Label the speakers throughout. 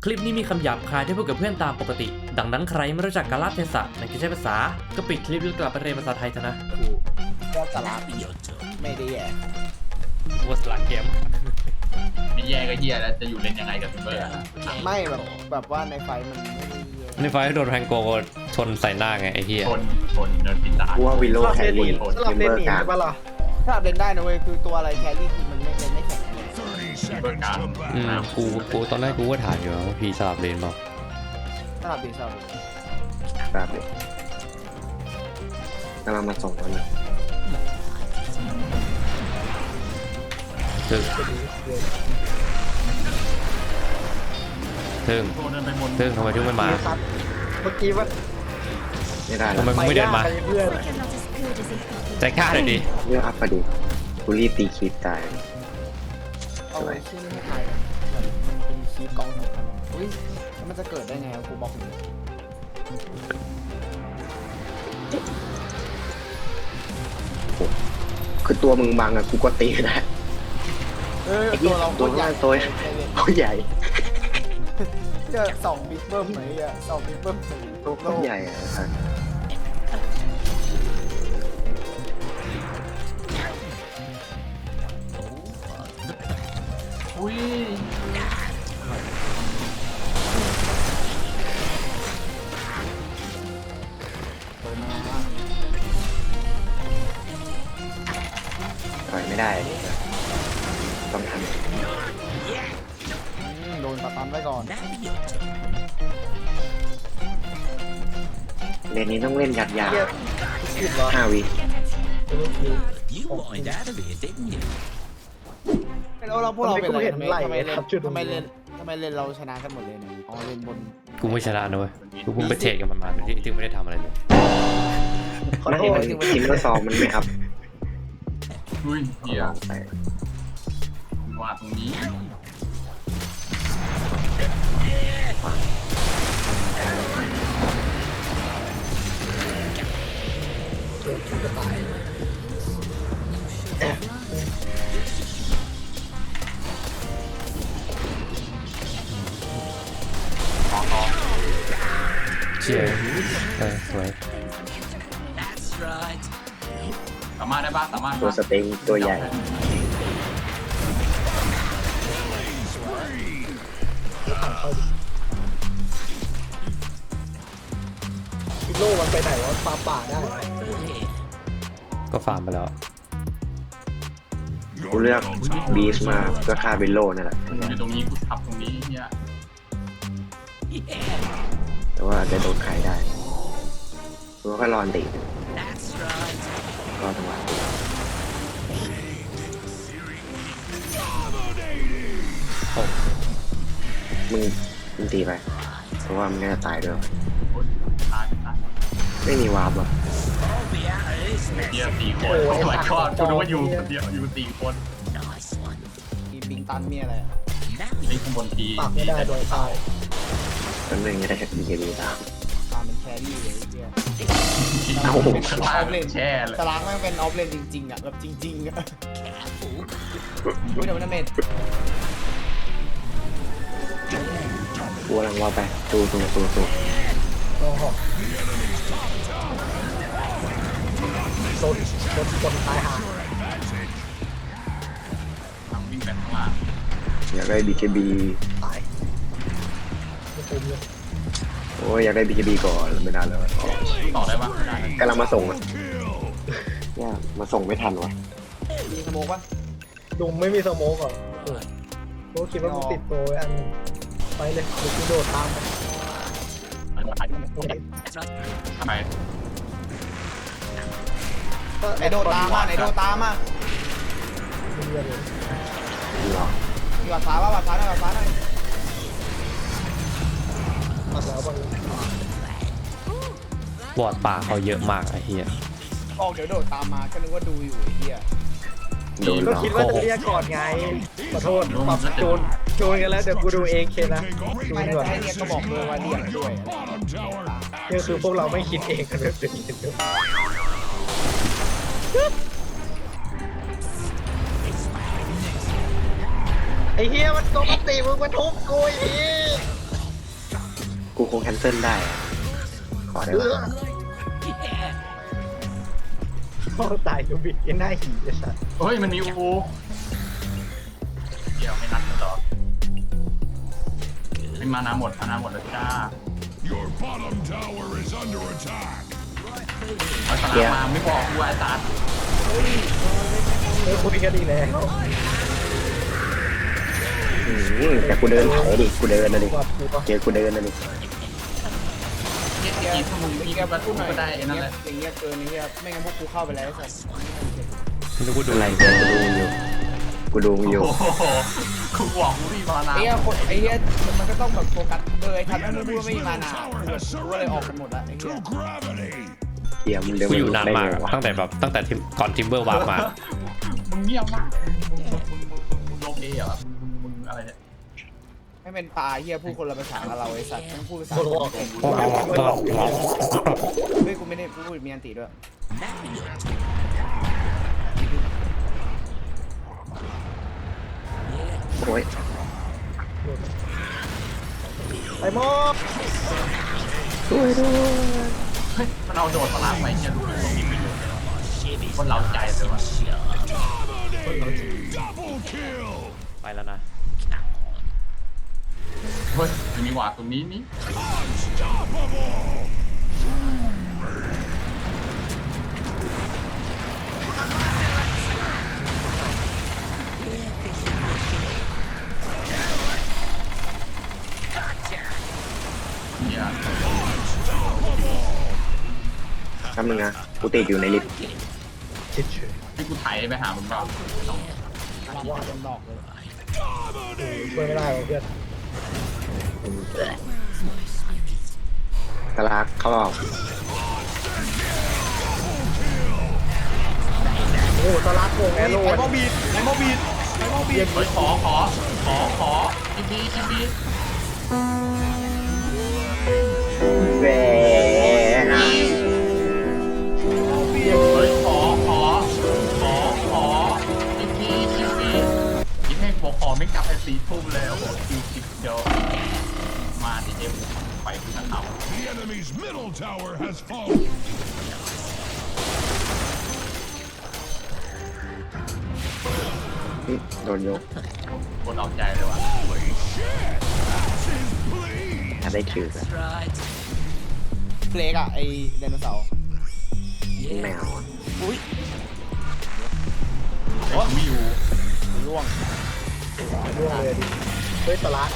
Speaker 1: คลิปนี้มีคำหยาบคายที่พูดกับเพื่อนตามปกติดังนั้นใครไม่รู้จักกาลเทศะในการใช้ภาษาก็ปิดคลิปแล้วกลับไปเรียนภาษาไทยเถอะนะ
Speaker 2: กูก็สาระไม่ได้แย่
Speaker 1: ว่าสลักเกม
Speaker 3: ไม่แย่ก็เฮียแล้วจะอยู่เล่นยังไงกับซิมเบอร์
Speaker 2: ไม่แบบว่าในไฟมันไม่ได้แย่
Speaker 1: ในไฟโดนแพงโกชนใส่หน้าไงไอ้เหี้ย
Speaker 3: ชนเนินปิดตา
Speaker 4: กูว่าวิโลแครี่
Speaker 5: สลับ
Speaker 4: เม
Speaker 5: เล่น
Speaker 4: เบอ
Speaker 5: หนี
Speaker 4: ร์กลาง
Speaker 5: ใช่ปะล่ะ
Speaker 2: ถ้าเล่นได้นะเว้ยคือตัวอะไรแครี่คือมันไม่แข็งแรง
Speaker 3: ซิมเบอร์กลาง
Speaker 1: กูตอนแรกกูก็ถามอยู่ว่าพี่สลับเลนเปล่า
Speaker 2: สลับดีสลับดี
Speaker 4: แบบนี้กำลังมาส่งแล้วนะ
Speaker 1: ซึ่ง
Speaker 3: โดนเดินไปบน
Speaker 1: ทำไมถึงไม่มา
Speaker 5: ครับเมื่อกี้ว่า
Speaker 4: ไม่ได้
Speaker 1: ทำไม
Speaker 4: แล้ว
Speaker 1: มึงไม่เดินมา
Speaker 5: ไปเพื่อน
Speaker 1: ใจกล้าเลยดิ
Speaker 4: เลือกอัพพอดีกูรีบตีคลิปตาย
Speaker 2: เอาไว้ชื่อนี้ให้ใครแบบมันเป็นคีย์กองสำคัญอุ้ยแล้วมันจะเกิดได้ไงกูบอกเลย
Speaker 4: คือตัวมึงบังอะกูก็ตีได้
Speaker 2: ตัวเรา
Speaker 4: ตัว
Speaker 2: ใหญ่
Speaker 4: ตัวตัวใหญ่
Speaker 2: จะสองบิ๊กเบิ้มไหมอ่ะสองบิ๊กเบิ้ม
Speaker 4: ตัวโคตรใหญ่อะครับ
Speaker 3: อุ้ย
Speaker 4: ต่อยไม่ได้ต้องท
Speaker 2: โดนสตันไว้ก่อน
Speaker 4: ำเลนนี้ต้องเล่นยัดยา
Speaker 5: เกียร์ผิดเหรอ
Speaker 4: 5 วิ
Speaker 2: แล้วเราพวกเราเป็นอะไรทำไมเล่นเราชนะกันหมดเลยเนี่ยอ๋อเล่นบน
Speaker 1: กูไม่ชนะนะเว้ยกูเพิ่งไปเทรดกับมันมาที่ไม่ได้ทำอะไรเลย
Speaker 5: ขอ
Speaker 4: ไม่
Speaker 5: โท
Speaker 4: เห็น
Speaker 5: ษ
Speaker 4: มันทีมก็ซองมันไม่อัพ
Speaker 3: อุ้ยเฮีย
Speaker 4: ไป
Speaker 3: ว่าตรงนี้
Speaker 1: เชี่ยสวย
Speaker 3: สามารถได้ปะสามารถ
Speaker 4: ตัวสเต็งตัวใหญ่
Speaker 5: พิโลมันไปไหนวะปลาป่าได้เหรอ
Speaker 1: ก็ฟาร์มไปแล้ว
Speaker 4: กูเลือกบีสมาเพื่อฆ่าวิโลนั่นแหละ
Speaker 3: อยู่ตรงนี้กูทับตรงนี้เฮีย
Speaker 4: แต่ว่าอาจจะโดนขายได้กูก็รอนตีรอจังหวะตีมึงตีไป เพราะว่ามันก็จะตายด้วย
Speaker 3: ตายตาย
Speaker 4: ไม่มีวาร์ปอ่ะ
Speaker 3: เฮีย4 คนโอ้ my god กูนึกว่าอยู่คนเดียวอยู่4 คน
Speaker 2: มีปิงตันมีอะไร
Speaker 3: นี่ข้างบนที
Speaker 5: ปากไม่ได้โดนตาย
Speaker 4: ต้นหนึ่งจะได้แค่BKB ตาม
Speaker 2: ตามเป็นแครี่เลยเฮีย
Speaker 4: เอ้า
Speaker 3: ข้างล่างแช่เลย
Speaker 2: สลางแม่งเป็นออฟเลนจริงๆอ่ะแบบจริงๆอ่ะอุ้ยเดี๋ยวมันเมด
Speaker 4: กูกำลังวาร์ปไปตู
Speaker 5: โอ้โหโดนคนตายห่า
Speaker 3: ทางวิ่งแบบข้างล่าง
Speaker 4: อยากได้ BKB
Speaker 5: ตายไม่คุ้มเลย
Speaker 4: โอ้ยอยากได้ BKB ก่อนไม่ได้เลย
Speaker 3: ต่อได้ปะไม่ได้
Speaker 4: กำลังมาส่งอ่ะเนี่ยมาส่งไม่ทันวะ
Speaker 2: มีสโมกปะ
Speaker 5: ลุงไม่มีสโมกเหรอกูคิดว่ามึงติดตัวไว้อันหนึงไปเลยเดี๋ยวกูโดดตามไป
Speaker 3: ทำไม
Speaker 2: ไหนโดดตามมาไหนโดดตามมา
Speaker 5: มึงเรียนเลย
Speaker 4: หรอ
Speaker 2: มีวัดฟ้าว่าวัดฟ้าหน่อยวัดฟ้าหน่อย
Speaker 5: ตัดแล้วบาง
Speaker 1: วอร์ดป่าเขาเยอะมากไอ้เหี้ย
Speaker 2: ออกเดี๋ยวโดดตามมาก็นึกว่าดูอยู่ไอ้เฮีย
Speaker 4: โดนห
Speaker 5: ก็
Speaker 4: รอ
Speaker 5: คิดว่าจะเรียกก่อนไงขอโทษปรับโจนกันแล้วเดี๋ยวกูดูเองเคนะดู
Speaker 2: ไม่
Speaker 5: ดี
Speaker 2: ได้
Speaker 5: กว่า
Speaker 2: ให้เรียกก็บอกเลยว่าเรียกด้วย
Speaker 5: นี่คือพวกเราไม่คิดเองกันเลยไอ้เฮียมันปกติมึงมาทุบกูไอ้เหี้ย
Speaker 4: งแคนเซิลได้อะขอได้ปะ
Speaker 5: พ่อตายดูบิดยังได้หีไอ้สัส
Speaker 3: เฮ้ยมันมีอูเดี๋ยวไม่นัดกันต่อเป็นมานาหมดแล้วจ้า
Speaker 6: Your bottom tower is under attack.
Speaker 3: เอาสนามมาไม่บอกกูไอ้ตา
Speaker 5: คุยกันดีแล้ว
Speaker 4: แต่กูเดินเผาดิกูเดินนะดิ
Speaker 5: ว่ากูก็
Speaker 4: เจอกูเดินนะดิ
Speaker 3: กีบมึงกีบประตูก็ได้นั่นแหละ
Speaker 2: อย่างเงี้ยเกินอย่างเงี้ยไม่งั้นพวกกูเข้าไปแล้วไอ้สัส
Speaker 1: กูดู
Speaker 4: อะไรเนี่ยกูดูมึงอยู่
Speaker 3: โอ้โหกูบอกกูมีมานา
Speaker 2: ไอ้เหี้ยคนไอ้เหี้ยมันก็ต้องแบบโฟกัสเลยทำให้มึงพูดว่าไม่มีมานากูก็เลยออกกันหมดละไอ้เหี้ย
Speaker 6: To gravity.
Speaker 4: เดี๋ยวมึงเดิน
Speaker 1: กูอยู่นานมาก
Speaker 4: ได้ไงวะ
Speaker 1: ตั้งแต่ก่อนทิมเบอร์วาร์ปมา
Speaker 3: มึงเงียบมากมึงโลเอเหรอมึงอะไรเนี่ย
Speaker 2: ให้เป็นปลาเหี้ยพูดคนละภาษากับเราไอ้สัตว์ต้องพูดภาษา
Speaker 5: โคตรบอก
Speaker 2: เฮ้ยกูไม่ได้พูดมีอันติด้วย
Speaker 4: โอ้ย
Speaker 5: ไปมอ
Speaker 4: ช่วยด้วย
Speaker 3: เฮ้ยมันเอาโดดสลามไปเนี่ยรู้สึกว่ามีประโยชน์คนเราใจเลยว่ะ
Speaker 6: Double kill.
Speaker 1: ไปแล้วนะ
Speaker 3: เฮ้ยมีหวาดตรงนี้นี่
Speaker 6: Unstoppable.
Speaker 3: เนี่ย
Speaker 4: ทำนึงนะกูติดอยู่ในลิฟต์
Speaker 5: คิดเฉย
Speaker 3: ให้กูไถไปหามึงเปล่า
Speaker 2: ว่าโดนดอกเลย
Speaker 5: ช่วยไม่ได้เพื่อน
Speaker 4: กระลากเขาออก
Speaker 5: โอ้ตะลักโกงแอโร่
Speaker 2: ไอ้โมบีดไอ้โมบีดไอ้โมบีด
Speaker 3: เฮ้ยขอคิดดี
Speaker 4: แหว
Speaker 3: เฮ้ยขอคิดดีคิดให้หัวขอไม่กลับไป4 ทุ่มเลยโอ้โหคิวเดียวมาดิเอ็มไปคุณนะครับ
Speaker 6: The enemy's middle tower has fallen.
Speaker 4: โดนยก
Speaker 3: กดเอาใจเลยว่ะ
Speaker 6: Holy shit! That's his bleed.
Speaker 4: ถ้าได้คิวแล้ว
Speaker 2: เฟลกอะไอ้ไดโนเสาร์
Speaker 4: แมว
Speaker 2: อุ้ย
Speaker 3: เฮ้ยไม่อยู่
Speaker 2: ร่วง
Speaker 5: ร่วงเลยดิเฮ้ยตะลัก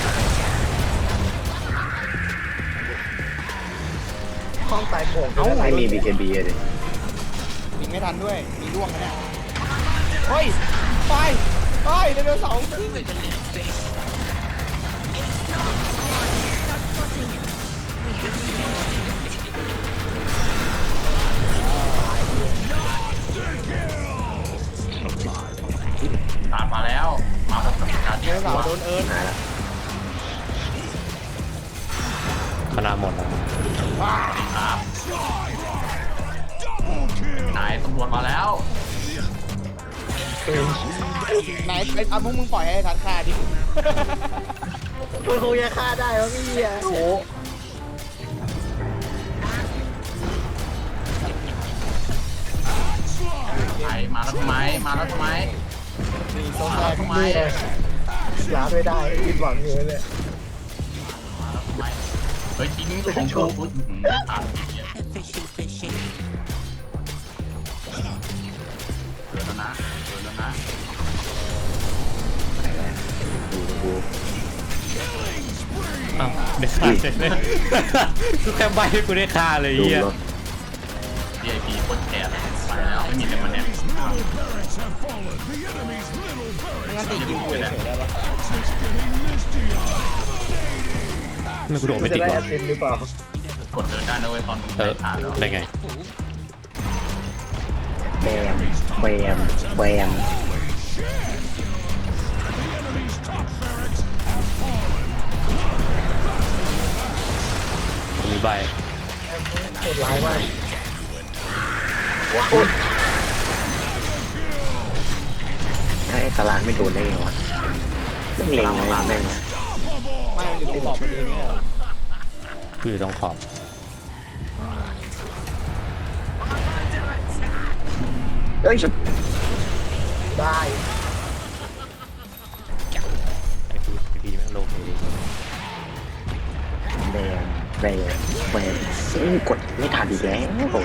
Speaker 5: ห้องตายโป่ง
Speaker 4: ไม่มี BKB เลย
Speaker 2: ยิงไม่ทันด้วยมีร่วงนะเนี่ยเฮ้ยไปไดโนเสาร์
Speaker 3: ตามมาแล้วมาแบบการ
Speaker 2: ไดโนเสาร์โดนเอิร์น
Speaker 4: มาแล้ว
Speaker 1: คณะหมดแล้ว
Speaker 3: ครับ
Speaker 6: Double kill.
Speaker 3: นายตำรวจมาแล้ว
Speaker 2: ไหนไอ้พวกมึงปล่อยให้ทันฆ่าดิ
Speaker 5: คุณคงจะฆ่าได้วะพี่อ่ะโอ้
Speaker 3: ไอมาแล้วทำไม
Speaker 2: มีโซ
Speaker 3: มา
Speaker 2: แซ
Speaker 3: แล้ว
Speaker 2: ก
Speaker 3: ทำไม
Speaker 5: นี่ไงลาไม่ได้คิดหวังอยู่เลย
Speaker 3: มาแล้วทำไมเฮ้ยทิ้งของกูอุ๊ยไม่ทันเนี่ยเกิดแล้วนะ
Speaker 4: ดู
Speaker 1: อ้าวได้ฆ่าเลยกูแค่ใบให้กูได้ฆ่าเลย
Speaker 4: ดู
Speaker 1: เฮีย
Speaker 4: รถ
Speaker 3: VIP คนแก่ไปแล้วไม่มีแต่มันแน่
Speaker 6: Middle barracks have fallen. The enemy's middle
Speaker 2: ไม่
Speaker 6: barracks
Speaker 2: งั้นติดยิงกูเฉยๆได้ปะ
Speaker 6: is getting misty.
Speaker 1: ไม่กูโดดไม่
Speaker 5: จะ
Speaker 1: ติด
Speaker 5: ได้
Speaker 1: หร
Speaker 5: แอ
Speaker 1: อ
Speaker 5: สซินหรือเปล่าก
Speaker 3: ดเดินได้นะเว้ยตอนมึง
Speaker 1: เอ
Speaker 3: ไป
Speaker 1: อ
Speaker 3: ทานแล้ว
Speaker 1: ได้ไง
Speaker 4: แบม
Speaker 1: มีใบ
Speaker 5: โหดร้ายมาก
Speaker 4: ไอ้ตลาดไม่โดนได้ไงวะเล็งเลยแม่ง
Speaker 2: ไม่มันอยู่ที่บอกมันเองเนี่ย
Speaker 1: กูอยู่ตรงขอบ
Speaker 4: เอ้ย
Speaker 5: ได้
Speaker 1: ไอพีแม่งลงเลยดิ
Speaker 4: แบนแบนแบนซึ่งกดไม่ทันอีกแล้ว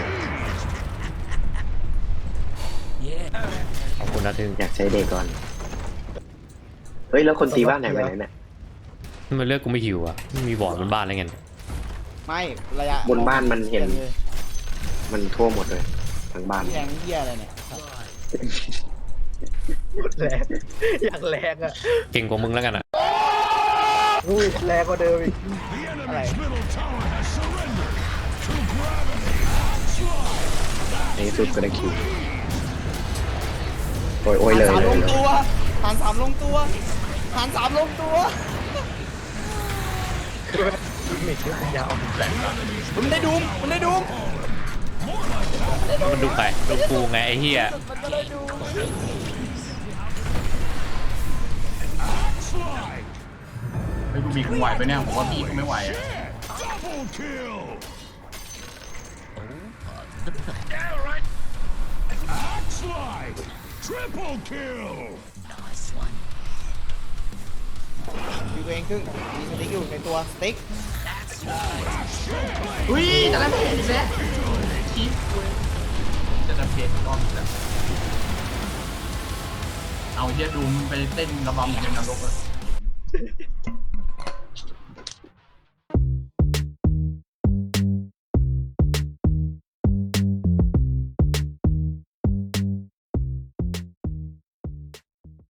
Speaker 1: ขอบคุณนะทึง
Speaker 4: อยากใช้เดย์ก่อน เฮ้ย แล้วคนตีบ้านไหนไปไหนเนี่ย
Speaker 1: มันเลือกกูไม่หิวอ่ะไม่มีบอร์ดบนบ้านอะไรเงี้ย
Speaker 2: ไม่ระยะ
Speaker 4: บนบ้านมันเห็น มันทั่วหมดเลยทั้งบ้าน
Speaker 2: แรงเหี้ยอะไรเนี่ย
Speaker 5: แรงอยากแรงอ่ะ
Speaker 1: เก่งกว่ามึงแล้วกันอ่ะ
Speaker 5: อุ้ยแรงกว่าเดิมอีก
Speaker 6: The enemy's middle tower has surrendered to gravity.
Speaker 4: ในที่สุดก็ได้คิว โอ้ยเลย
Speaker 2: ฐาน
Speaker 4: เล
Speaker 2: ล
Speaker 4: ย
Speaker 2: ง
Speaker 4: เลย
Speaker 2: ตัวฐานสามลงตัวฐานสามลงตัว
Speaker 5: มิดที่มันยาว
Speaker 2: มันได้ดูมมันได้ดูม
Speaker 1: มันดูใครดูกูไงไอ้เหี้ย
Speaker 2: มันก็ได้ดูม
Speaker 6: Slide.
Speaker 3: ไอ้ยกูบีกูไหวไปเนี่ยผมว่าบีกูไม่ไหวอะ
Speaker 6: Double kill. Axe slide. Triple kill.
Speaker 2: อยู่ตัวเองครึ่งมีสติ๊กอยู่ในตัวสติ๊ก
Speaker 3: อุ้ยจะได้เพจอีกแล้วคลิปเว้ยจะได้เพจรอบอีกแล้วเอาเฮียดูมันไปเต้นระบำอยู่ในนรกเลย